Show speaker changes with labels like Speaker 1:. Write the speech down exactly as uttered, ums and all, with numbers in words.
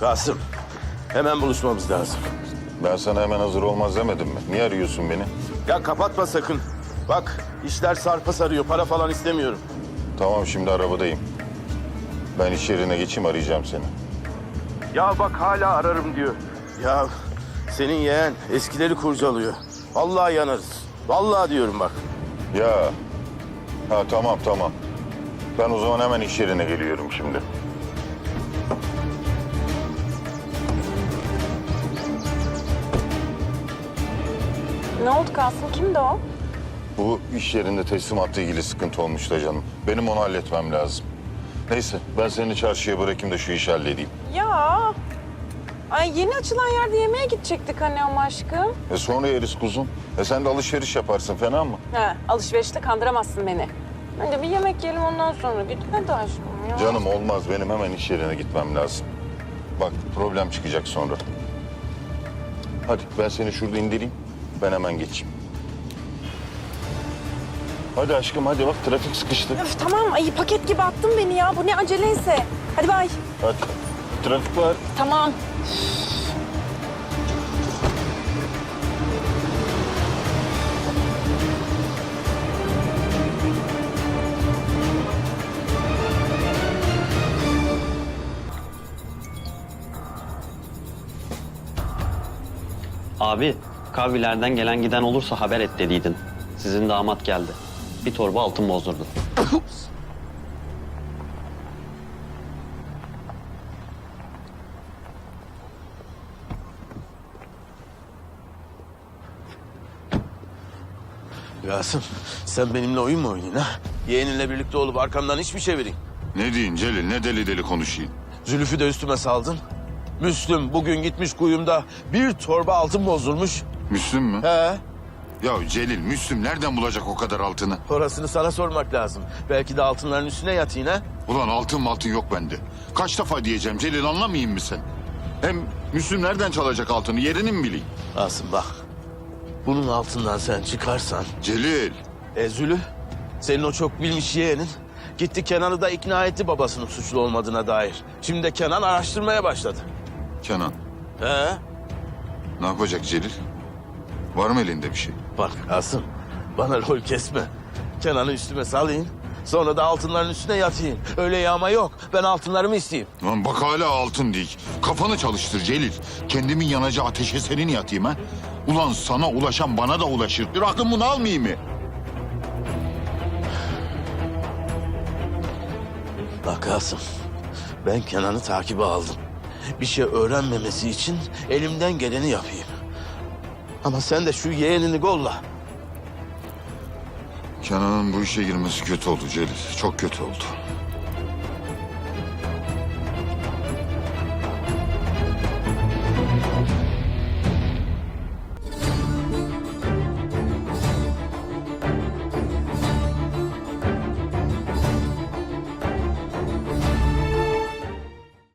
Speaker 1: Kasım, hemen buluşmamız lazım.
Speaker 2: Ben sana hemen hazır olmaz demedim mi? Niye arıyorsun beni?
Speaker 1: Ya kapatma sakın. Bak, işler sarpa sarıyor. Para falan istemiyorum.
Speaker 2: Tamam, şimdi arabadayım. Ben iş yerine geçeyim, arayacağım seni.
Speaker 1: Ya bak hala ararım diyor. Ya senin yeğen eskileri kurcalıyor. Vallahi yanarız. Vallahi diyorum bak.
Speaker 2: Ya, ha tamam tamam. Ben o zaman hemen iş yerine geliyorum şimdi.
Speaker 3: Ne oldu Kasım? Kimdi o?
Speaker 2: Bu iş yerinde teslimatla ilgili sıkıntı olmuş da canım. Benim onu halletmem lazım. Neyse, ben seni çarşıya bırakayım da şu işi halledeyim.
Speaker 3: Ya. Ay yeni açılan yerde yemeğe gidecektik hani ama aşkım.
Speaker 2: E sonra yeriz kuzum. E sen de alışveriş yaparsın, fena mı?
Speaker 3: He, alışverişte kandıramazsın beni. Önce bir yemek yiyelim ondan sonra git. Hadi aşkım ya.
Speaker 2: Canım olmaz, benim hemen iş yerine gitmem lazım. Bak, problem çıkacak sonra. Hadi ben seni şurada indireyim, ben hemen geçeyim. Hadi aşkım, hadi bak trafik sıkıştı.
Speaker 3: Öf, tamam. Ay paket gibi attın beni ya. Bu ne aceleyse. Hadi bay.
Speaker 2: Hadi, trafik var.
Speaker 3: Tamam.
Speaker 4: Abi, kahvilerden gelen giden olursa haber et dediydin. Sizin damat geldi. Bir torba altın bozdurdu.
Speaker 1: Kasım, sen benimle oyun mu oynuyorsun ha? Yeğeninle birlikte olup arkamdan iş mi çevireyim?
Speaker 2: Ne diyeyim Celil, ne deli deli konuşayım.
Speaker 1: Zülüf'ü de üstüme saldın. Müslüm bugün gitmiş kuyumda bir torba altın bozdurmuş.
Speaker 2: Müslüm mü?
Speaker 1: He,
Speaker 2: Ya Celil, Müslüm nereden bulacak o kadar altını?
Speaker 1: orasını sana sormak lazım. Belki de altınların üstüne yatayım ha?
Speaker 2: Ulan altın altın yok bende. Kaç defa diyeceğim Celil, anlamayayım mı sen? Hem Müslüm nereden çalacak altını, yerini mi bileyim?
Speaker 1: Asım bak, bunun altından sen çıkarsan...
Speaker 2: Celil.
Speaker 1: E Zülü, senin o çok bilmiş yeğenin gitti Kenan'ı da ikna etti babasının suçlu olmadığına dair. Şimdi de Kenan araştırmaya başladı.
Speaker 2: Kenan,
Speaker 1: He?
Speaker 2: ne yapacak Celil? Var mı elinde bir şey?
Speaker 1: Bak Asım, bana rol kesme. Kenan'ı üstüme salayım, sonra da altınların üstüne yatayım. Öyle yağma yok, ben altınlarımı isteyeyim.
Speaker 2: Lan bak hala altın değil. Kafanı çalıştır Celil. Kendimin yanacağı ateşe senin yatayım ha? Ulan sana ulaşan bana da ulaşır. Bir aklım bunu almayayım mı?
Speaker 1: Bak Asım, ben Kenan'ı takibe aldım. Bir şey öğrenmemesi için elimden geleni yapayım. Ama sen de şu yeğenini golla.
Speaker 2: Kenan'ın bu işe girmesi kötü oldu Celil. Çok kötü oldu.